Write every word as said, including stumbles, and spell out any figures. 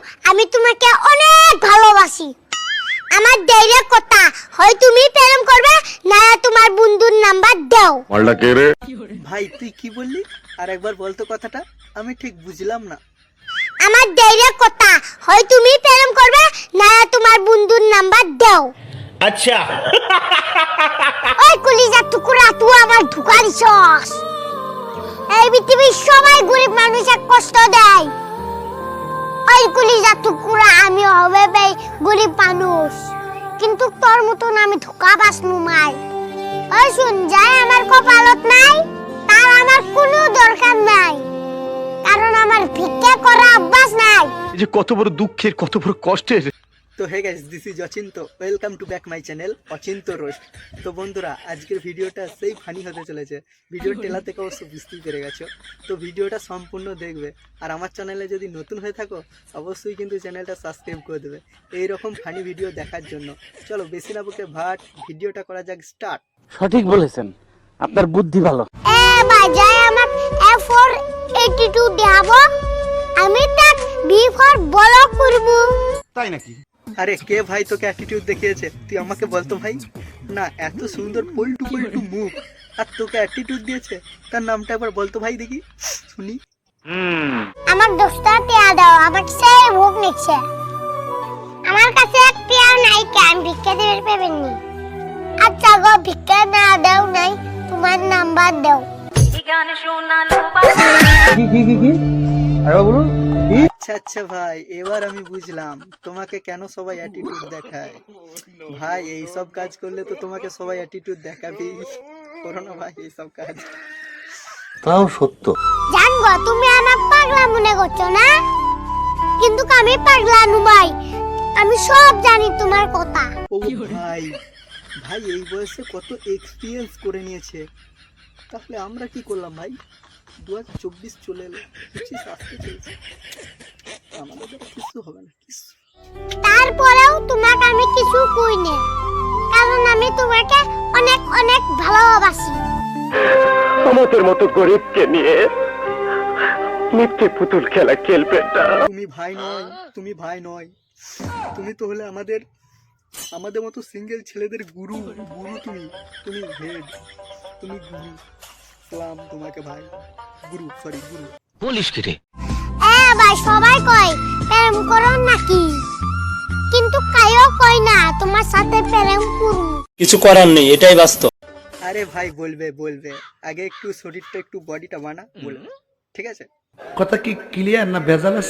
আমি তোমাকে অনেক ভালোবাসি। আমার ডাইরেক্ট কথা, হয় তুমি প্রেম করবে না তোমার বন্ধুর নাম্বার দাও। মালটা কে রে? ভাই তুই কি বললি? আর একবার বলতো কথাটা, আমি ঠিক বুঝলাম না। আমার ডাইরেক্ট কথা, হয় তুমি প্রেম করবে না তোমার বন্ধুর নাম্বার দাও। আচ্ছা ওই কলিজার টুকরা, তুই আমার ধোঁকা দিছস। এই পৃথিবীর সবাই গরিব মানুষের কষ্ট দেয়। ওই কলিজার টুকরা, আমি হবে ভাই গরিব মানুষ, কিন্তু তোর মতন আমি ধোঁকা বাসনু মাই। ওই শুন, যাই আমার কপালত নাই তার আমার কোনো দরকার নাই, কারণ আমার ভিক্ষা করা অভ্যাস নাই। যে কত বড় দুঃখের, কত বড় কষ্টের। তো hey guys, this is Achinta, welcome to back my channel Achinta roast. তো বন্ধুরা, আজকের ভিডিওটা সেই ফানি হতে চলেছে। ভিডিওর টেলা থেকে অবশ্য বুঝতেই পেরে গেছো। তো ভিডিওটা সম্পূর্ণ দেখবে, আর আমার চ্যানেলে যদি নতুন হয়ে থাকো অবশ্যই কিন্তু চ্যানেলটা সাবস্ক্রাইব করে দেবে এই রকম ফানি ভিডিও দেখার জন্য। চলো বেশি না বকে ভাট, ভিডিওটা করা যাক স্টার্ট। সঠিক বলেছেন, আপনার বুদ্ধি ভালো। এ ভাই, যাই আমার এ ফর অ্যাটিটিউড দেখাবো, আমি তাক বি ফর বলো করব। তাই নাকি? আরে কে ভাই তোকে অ্যাটিটিউড দেখিয়েছে? তুই আমাকে বলতো ভাই। না, এত সুন্দর পল্টু পল্টু মুখ, আর তোকে অ্যাটিটিউড দিয়েছে, তার নামটা একবার বলতো ভাই দেখি, শুনি। আমার দোস্তা টিয়া দাও, আমার সেই ভোগ নিচ্ছে। আমার কাছে এক টিয়া নাই, কেন ভিক্ষা দিতে পারবেন নি? আচ্ছা গো, ভিক্ষা না দাও নাই, তোমার নাম্বার দাও। আচ্ছা আচ্ছা ভাই, এবার আমি বুঝলাম তোমাকে কেন সবাই অ্যাটিটিউড দেখায়। ভাই এইসব কাজ করলে তো তোমাকে সবাই অ্যাটিটিউড দেখাবেই। করো না ভাই এইসব কাজ। তাও সত্য। জানগো, তুমি আমার পাগলা মনে করছো না, কিন্তু আমি পাগলা নু ভাই, আমি সব জানি তোমার কথা। ও ভাই, ভাই এই বয়সে কত এক্সপিরিয়েন্স করে নিয়েছে। তাহলে আমরা কি করলাম ভাই? দু হাজার চব্বিশ চলে এলো, পঁচিশ আসতে চলছে, আমাদের দ্বারা কিছু হবে না কিছু। তারপরেও তোমাকে আমি কিছু কই না, কারণ আমি তোমাকে অনেক অনেক ভালোবাসি। আমাদের মতো গরিবকে নিয়ে মিথ্যে পুতুল খেলা খেলবেন না। তুমি ভাই নয়, তুমি ভাই নয়, তুমি তো হলে আমাদের আমাদের মতো সিঙ্গেল ছেলেদের গুরু। গুরু তুমি, তুমি হেড, তুমি গুরু। সালাম তোমাকে ভাই, গুরু, সরি গুরু। বলিস কি রে? এ ভাই, সবাই কয় প্রেম করো নাকি, কিন্তু কায়ও কয় না তোমার সাথে প্রেম করু। কিছু করার নেই, এটাই বাস্তব। আরে ভাই বলবে বলবে, আগে একটু শরীরটা একটু বডিটা বানা, বলবে, ঠিক আছে? কথা কি ক্লিয়ার না ভেজাল আছে?